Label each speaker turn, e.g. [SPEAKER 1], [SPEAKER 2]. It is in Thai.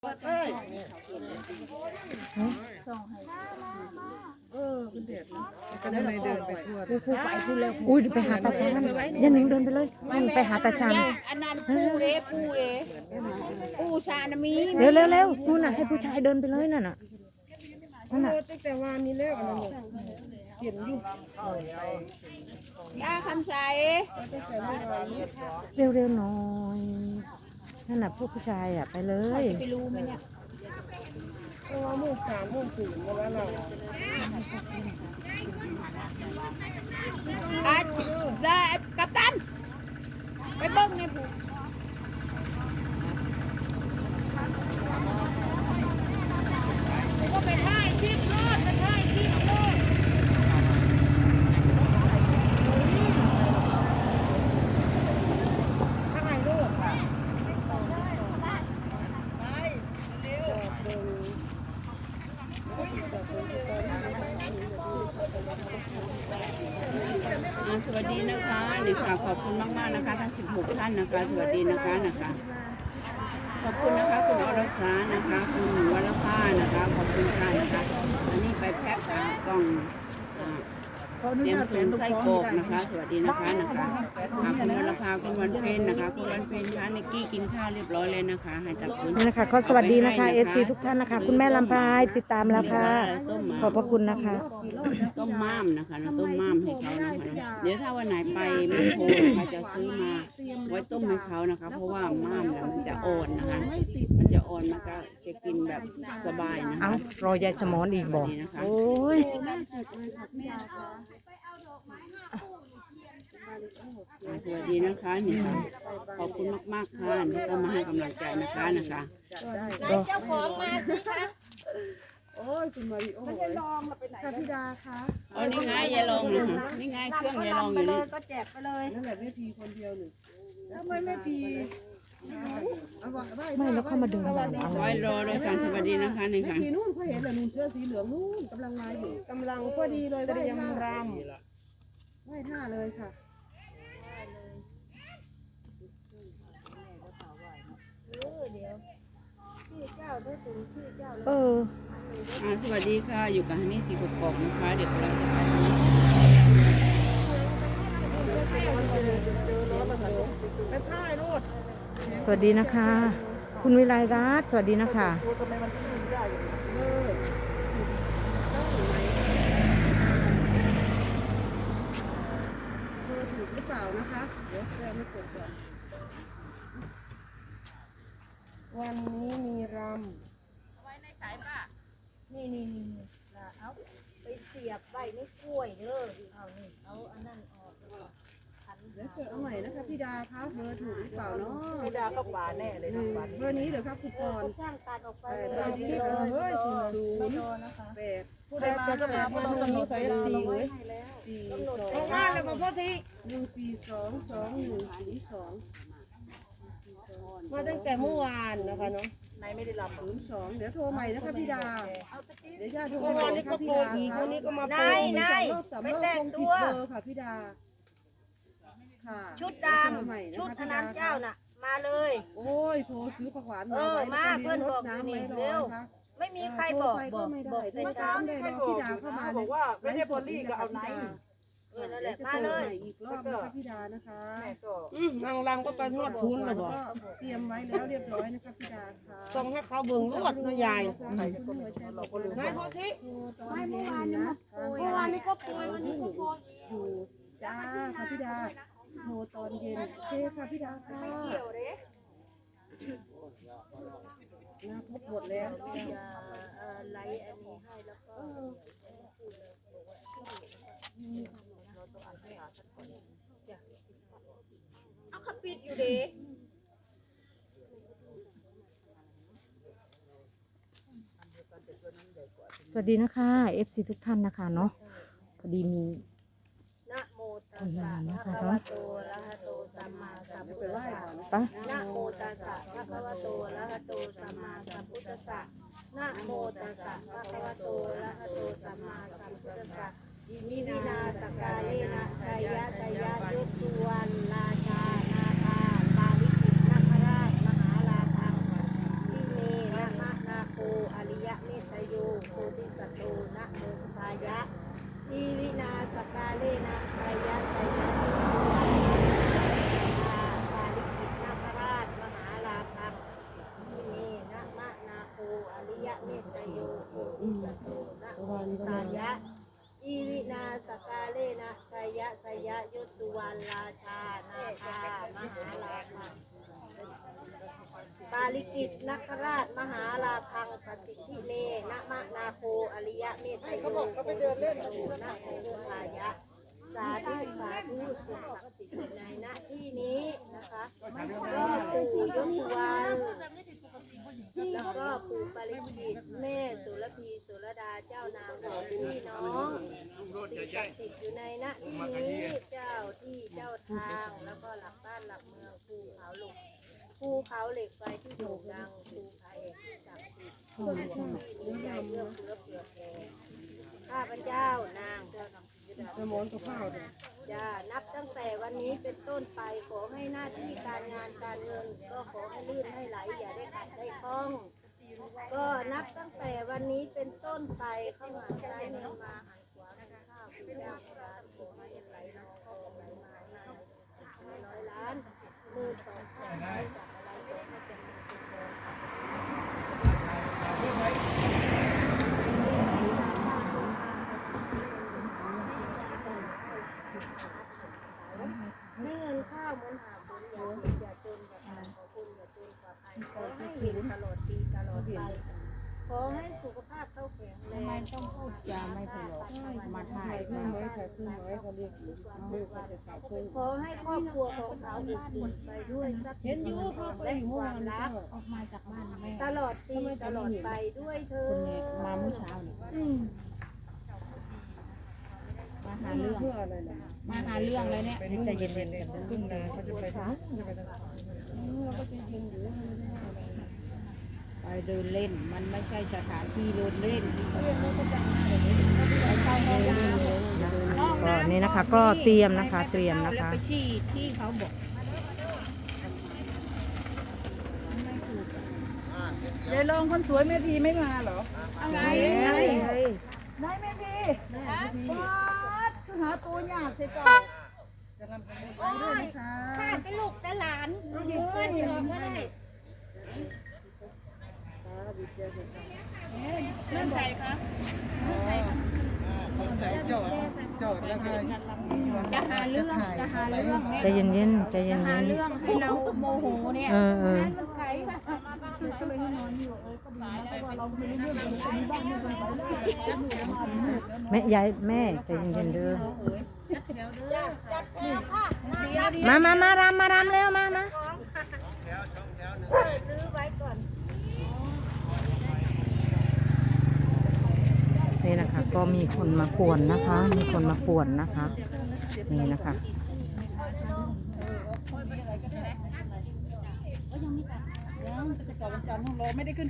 [SPEAKER 1] เอ้ยเป็นเด็ดนะก็ได้เดินไปทั่ว
[SPEAKER 2] ครูไปพูดแล้วอุ้ยไปหาตาชานยันหนิงเดินไปเลยไปหาตาชาน
[SPEAKER 3] อันนั้นปูเด้ปูชานะมี
[SPEAKER 2] เร็วนู่นน่ะให้ผู้ชายเดินไปเลยนั่นน่ะนั่นน่ะ
[SPEAKER 1] ตั้งแต่วานนี้แล้วอันนั้นเขียนอยู่
[SPEAKER 3] ย่าคำใส
[SPEAKER 2] เร็วหน่อยนั่นน่ะพวกผู้ชายอ่ะไปเลย
[SPEAKER 3] ไปรู้ไหมเนี่ย
[SPEAKER 1] เพราะว่ามุ่ง3 มุ่ง 4มาแล้วเรา
[SPEAKER 3] ได้กัปตันไปเบิ้งเนี่ยผูก็ไปถ่ายคลิปรอดไปถ่ายคลิปรอด
[SPEAKER 1] ถ้าไงลูก
[SPEAKER 3] สวัสดีนะคะนี่ค่ะขอบคุณมากๆนะคะทั้ง16ท่านนะคะสวัสดีนะคะขอบคุณนะคะคุณอรสานะคะคุณวรภานะคะขอบคุณค่ะนะคะอันนี้ไปแพ็คกล่องเตรียมสูงไส้กรอกนะคะสวัสดีนะคะคุณวรภาคุณวันเพ็ญนะคะคุณวันเพ็ญคะนิกกี้กินข้าวเรียบร้อยเลยนะคะให้ตักคุณ
[SPEAKER 2] นี่นะคะก็สวัสดีนะคะFC ทุกท่านนะคะคุณแม่ลำพายติดตามแล้วค่ะขอบพระคุณนะคะ
[SPEAKER 3] ต้มม่ามนะคะเราต้มม่ามให้เขานะคะเดี๋ยวถ้าวันไหนไปแมคโครนะคะจะซื้อมาไว้ต้มให้เขานะคะเพราะว่าม่ามเนี่ยมันจะอ่อนนะคะมันจะอ่อนมันก็จะกินแบบสบายนะ
[SPEAKER 2] เอ้า
[SPEAKER 3] คะ
[SPEAKER 2] รอยายสมอนอีกบอกโอ้ย
[SPEAKER 3] สวัสดีนะคะนี่ค่ะขอบคุณมากๆค่ะที่เข้ามาให้กำลังใจนะคะ
[SPEAKER 1] เจ้าของมาสิคะโอ้ยคุณมาริโอ้ยค่ะพี่ดาคะ
[SPEAKER 3] อ๋อนี่ไงยายลองนะคะนี่ไงเครื่องยายลองอยู่นี่
[SPEAKER 1] ก็แจกไปเลยนั่นแหละแม่พีคนเดียวหนึ่งทำไมแม่พี
[SPEAKER 2] ไม่แล้วเข้ามาเดินหลังอะไร
[SPEAKER 3] ไว้รอเลยค่ะสวัสดีนะคะนี่ค่ะ
[SPEAKER 1] พีนู่นเขาเห็นเลยนู่นเสื้อสีเหลืองนู่นกำลังมาอยู่กำลังพอดีเลยเตรียมรำไหว้ท่าเลยค่ะ
[SPEAKER 3] สวัสดีค่ะอยู่กับฮันนี่สีกบกนะคะเด็กกำลังจะไป
[SPEAKER 1] ท่ายรูด
[SPEAKER 2] สวัสดีนะคะ คุณวิไลรัตน์สวัสดีนะคะ
[SPEAKER 1] ถูกหรือเปล่านะคะเดี๋ยวเราไม่กดก่อนวันนี้มีรำ
[SPEAKER 3] ไว้ในสายป่ะ
[SPEAKER 4] นี่เอาไปเสียบใบไม่กล้วยเด้อเอานี่เอาอันนั้นออกขัน
[SPEAKER 1] เดี๋ยวเกิดเอาใหม่นะคะพี่ดาคะเบอร์ถูกหรือเปล่าเนาะ
[SPEAKER 4] ไม่ได้ก็หวานแน่เลยนะหวาน
[SPEAKER 1] เบอร์นี้เดี๋ยวครับคุณกรณ์
[SPEAKER 4] ช่างตัดออกไป
[SPEAKER 1] เบอร์นี้เฮ้ย
[SPEAKER 4] ไม่
[SPEAKER 1] ศูนย์
[SPEAKER 4] โดนนะคะ
[SPEAKER 1] 8ผู้ใดจะแปดผู้ใดจะ4เว้ย4 2มาแล้วมาพ่อที1422142มาตั้งแต่เมื่อวานนะคะเนาะ
[SPEAKER 4] นายไม่ได้รับ
[SPEAKER 1] 02เดี๋ยวโทรใหม่นะคะพี่ดาเดี๋ยวญาติโทรใหม่นะคะพี่ดาวันนี้ก็มาโปรรอบ3 รอบคงผิดเบอร์ค่ะพี่ดาค่ะ
[SPEAKER 4] ชุดดำชุดอนันต์เจ้าน่ะมาเลย
[SPEAKER 1] โอ้ยโทรซื้อผักหวานมา
[SPEAKER 4] มาเพื่อนบอก
[SPEAKER 1] น้ำไม่รอนะคะ
[SPEAKER 4] ไม่มีใครบอก
[SPEAKER 1] ก็ไม่ได้แต่เช้าได้รอพี่ดาเข้ามาบอกว่าไม่ได้บอลลี่ก็เอาไหน
[SPEAKER 4] นั่นแหละมาเลย
[SPEAKER 1] อีกรอบนะคะพี่ดานะคะนางรังก็ไปนวดพื้นเลยบอกเตรียมไว้แล้วเรียบร้อยนะคะพี่ดาค่ะส่งให้เขาเบิ่งรวดนะยายไม่พอสิไม่เมื่อวานนี้ก็ป่วยวันนี้ก็ป่วยอยู่จ้าค่ะพี่ดาโทรตอนเย็นโอเคค่ะพี่ดาค่ะน่าพบหมดแล้ว
[SPEAKER 4] ไลอันนี้ให้แล้วก็เอาขับปิดอยู่เด้
[SPEAKER 2] สวัสดีนะคะ FC ทุกท่านนะคะเนาะพอดีมี
[SPEAKER 4] นะโมตัสสะภะคะวะโตอะระหะโตสัมมาสัมพุทธัสสะ
[SPEAKER 2] ปะ
[SPEAKER 4] นะโมตัสสะภะคะวะโตอะระหะโตสัมมาสัมพุทธัสสะนะโมตัสสะภะคะวะโตอะระหะโตสัมมาสัมพุทธัสสะอิมินาสกาเลนะชายะชายะยศสุวรรณราชานาคาปาริจิตนาคราชมหาราชังทิเมนาคติสโตนะโมตายะอีวินาสกาเลนะชยะชยะยศสุวรรณราชานาคามหาลาภังปาลิกิตนักราชมหาลาภังปสิทธิเมนะมะนาโคอริยะเมตไตโยโคติสโตนะโมตายะสาธุสาธุสิ่งศักดิ์สิทธิ์ในณที่นี้นะคะก็ปู่ยศสุวรรณแล้วก็ปู่ปาริกิตแม่สุรพีสุรดาเจ้านางของพี่น้องสิ่งศักดิ์สิทธิ์อยู่ในณที่นี้เจ้าที่เจ้าทางแล้วก็หลักบ้านหลักเมืองภูเขาเหล็กไฟที่โด่งดังภูผาแอกที่ศักดิ์สิทธิ์ที่มีใจเอื้อเฟื้อเผื่อแผ่ข้าพเจ้านาง
[SPEAKER 1] สมอนกับข้าวเนี่ย
[SPEAKER 4] จะนับตั้งแต่วันนี้เป็นต้นไปขอให้หน้าที่การงานการเงินก็ขอให้ลื่นให้ไหลอย่าได้ขัดได้คล้องก็นับตั้งแต่วันนี้เป็นต้นไปเข้ามาซ้ายเงินมาหันขวาหันข้าวคุณยามร้านขอให้ไหลน้องก็ไหลมาร้อยล้านมือสองข้างไม่จับอะไรก็ให้เป็นไม่เงินข้าวเหมือนหาบุญอย่าจนกับใครขอบุญอย่าจนกับใครขอให้เห็นตลอดปีตลอดไปขอให้สุขภาพเท่าแข็งแรงไม่ต้องพูดจาไม่ตลอดมาถ่าย
[SPEAKER 1] ขึ้นไว้ค่ะขึ้นไว้เขาเรียกลูกก็จะขายขึ้น
[SPEAKER 4] ขอให้ครอบครัวของเขาอบอุ่นไปด้วยทรัพย์สินและความรัก
[SPEAKER 2] ออกมาจากบ้านแม่
[SPEAKER 4] ตลอดปีตลอดไปด้วยเธอ
[SPEAKER 2] มาเมื่อเช้าเนี่ยมาหา
[SPEAKER 1] เรื่
[SPEAKER 2] เรื่อง
[SPEAKER 1] เพื่ออะไรนะ
[SPEAKER 2] มาหาเรื่องเลยเนี่ย
[SPEAKER 1] ใจเย็นๆกันขึ้นนะเขาจะไปทางเราก็จะยืนอยู่
[SPEAKER 2] ไปเดินเล่นมันไม่ใช่สถานที่เดินเล่นก็นี่นะคะก็เตรียมนะคะเตรียมนะคะไปชี้ที่เขาบอกยายลงคนสวยแม่พีไม่มาเหรออะไรได้แม่พีป๊าดคือหาตัวยากใช่จ้ะ
[SPEAKER 4] โอ้ยข้าเป็นลูกแต่หลานเพื่อนเองก็ได้เรื่องใส่คะ
[SPEAKER 1] ใส่จอดแล้วก็
[SPEAKER 2] จะหาเรื่องเนี่ย
[SPEAKER 5] ใจเย็นๆใจเย็น
[SPEAKER 2] หาเรื่องให้เราโมโหเนี่ย
[SPEAKER 5] ๆเออ
[SPEAKER 2] มันใครค่ะก็เลยนอนอยู่ก็ดีนะเพราะว่าเราไม่รู้เรื่องเลยมีบ้านไม่เป็นไร
[SPEAKER 5] แม่ยายแม่ใจเย็นๆเด้อ
[SPEAKER 4] จัดแถวค่ะ
[SPEAKER 5] มารำเร็วมา
[SPEAKER 4] ซื้อไว้ก่อน
[SPEAKER 5] นี่นะคะ ก็มีคนมาป่วนนะคะ มีคนมาป่วนนะคะ นี่นะคะ
[SPEAKER 1] ยังจะจอดวันจันทร์ของเราไม่ได้ขึ้น